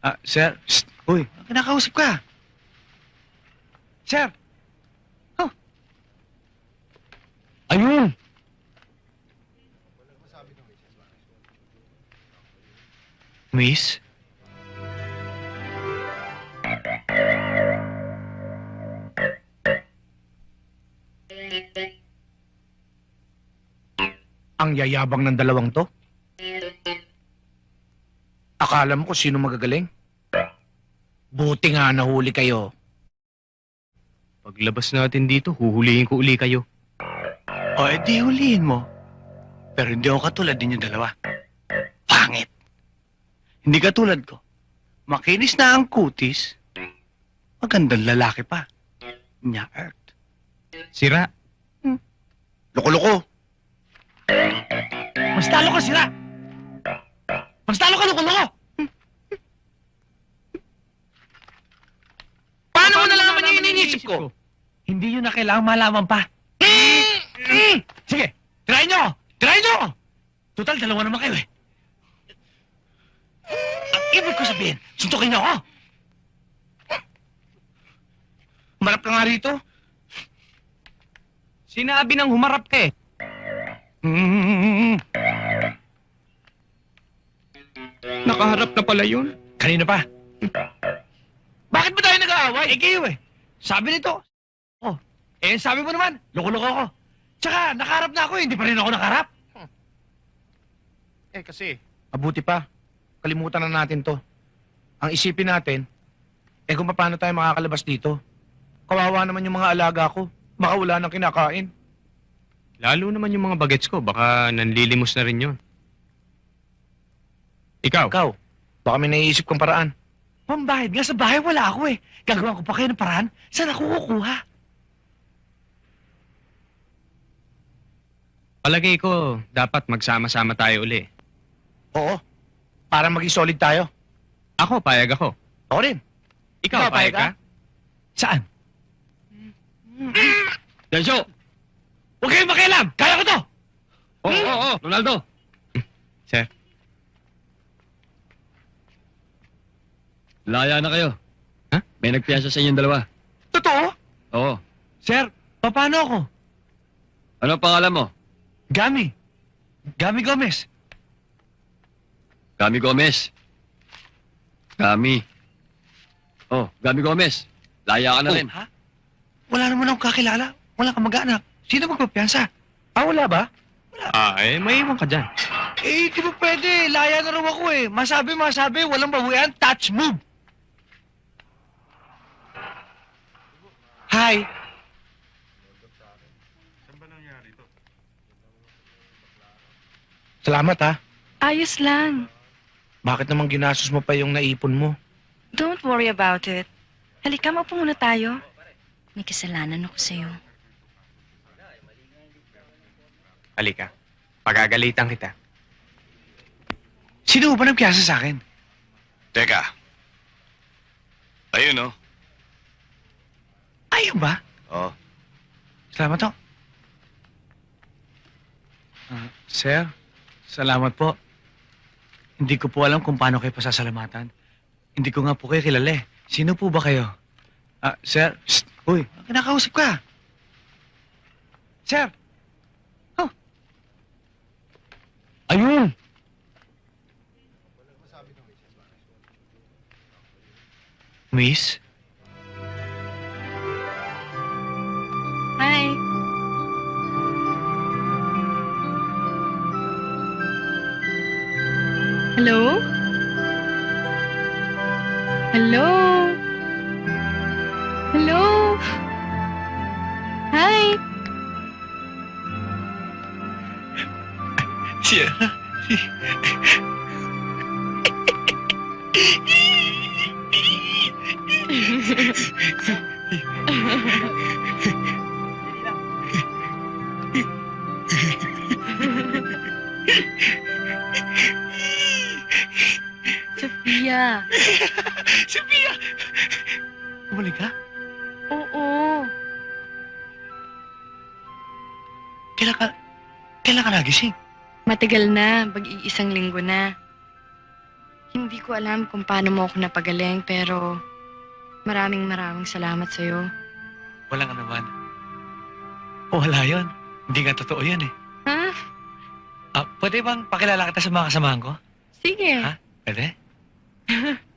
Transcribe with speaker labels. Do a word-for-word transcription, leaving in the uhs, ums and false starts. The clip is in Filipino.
Speaker 1: Ah, sir. Shh. Uy, kinakausap ka. Sir. Huh. Ayun. Miss? Ang yayabang ng dalawang to? Akala mo kung sino magagaling? Buti nga nahuli kayo.
Speaker 2: Paglabas natin dito, huhulihin ko uli kayo.
Speaker 1: O, edi hulihin mo. Pero hindi ako katulad ninyo dalawa. Pangit. Hindi katulad ko. Makinis na ang kutis. Magandang lalaki pa. Nya Earth.
Speaker 2: Sira.
Speaker 1: Loko-loko. Mas talo ka, sira. Mas talo ka, loko-loko. Paano mo nalaman yung iniisip ko? Hindi yun na kailangang malaman pa. Sige, try nyo! Try nyo! Total, dalawa naman kayo eh. Ang ibig ko sabihin, suntukin nyo ako. Humarap ka nga rito.
Speaker 2: Sinabi nang humarap ka eh.
Speaker 1: Mm.
Speaker 2: Nakaharap na pala yun.
Speaker 1: Kanina pa. Bakit ba tayo nag-aaway? Eh kayo eh. Sabi nito. Oh, eh sabi mo naman, loko-loko ako. Tsaka, nakaharap na ako eh. Hindi pa rin ako nakaharap. Eh kasi, mabuti pa. Kalimutan na natin to. Ang isipin natin, eh kung paano tayo makakalabas dito. Kawawa naman yung mga alaga ko. Baka wala nang kinakain.
Speaker 2: Lalo naman yung mga bagets ko, baka nanlilimos na rin yun. Ikaw?
Speaker 1: Ikaw, baka may naiisip kong paraan. Pambahid nga sa bahay, wala ako eh. Gagawa ko pa kayo ng paraan. Saan ako kukuha?
Speaker 2: Palagay ko, dapat magsama-sama tayo uli.
Speaker 1: Oo, para maging solid tayo.
Speaker 2: Ako, payag ako.
Speaker 1: Ako rin.
Speaker 2: Ikaw, payag ka?
Speaker 1: Saan?
Speaker 2: Densyo!
Speaker 1: Huwag kayong makialam! Kaya ko to!
Speaker 2: Oo, oo, oo, Ronaldo! Sir?
Speaker 3: Laya na kayo.
Speaker 2: Ha?
Speaker 3: May nagpiyasa sa inyong dalawa.
Speaker 1: Totoo?
Speaker 3: Oo.
Speaker 1: Sir, paano ako?
Speaker 3: Ano ang pangalan mo?
Speaker 1: Gami. Gami Gomez.
Speaker 3: Gami Gomez. Gami. Oh, Gami Gomez. Laya ka na
Speaker 1: Oh,
Speaker 3: rin.
Speaker 1: ha? Wala naman akong kakilala. Wala kang mag-anak. Sino magpapiyansa? Ah, wala ba?
Speaker 2: Ah, eh, may iwan ka dyan.
Speaker 1: Eh, di ba pwede? Laya na raw ako eh. Masabi, masabi. Walang bawian. Touch move. Hi. Salamat ha.
Speaker 4: Ayos lang.
Speaker 1: Bakit naman ginastos mo pa yung naipon mo?
Speaker 4: Don't worry about it. Halika, maupo muna tayo. May kasalanan ako sa'yo.
Speaker 2: Halika. Pagagalitan kita.
Speaker 1: Sino ba nagpiyasa sa akin?
Speaker 5: Teka. Ayun, oh.
Speaker 1: Ayun ba?
Speaker 5: Oh.
Speaker 1: Salamat ho. Ah, sir, salamat po. Hindi ko po alam kung paano kayo pasasalamatan. Hindi ko nga po kayo kilala eh. Sino po ba kayo? Ah, sir, shh, uy, kinakausap ka. Sir. Huh. Ayun. Miss?
Speaker 4: Hi. Hello? Hello? Hello? Hi.
Speaker 1: Siya.
Speaker 4: Sophia.
Speaker 1: Sophia! Bumalik ka?
Speaker 4: Oo.
Speaker 1: Kailan ka... Kailan ka nagising?
Speaker 4: Matagal na. Mag-iisang linggo na. Hindi ko alam kung paano mo ako napagaling, pero maraming maraming salamat sa'yo.
Speaker 1: Walang ano naman. O wala yun. Hindi nga totoo yan eh.
Speaker 4: Ha?
Speaker 1: Ah, pwede bang pakilala kita sa mga kasamahan ko?
Speaker 4: Sige.
Speaker 1: Ha? Pwede?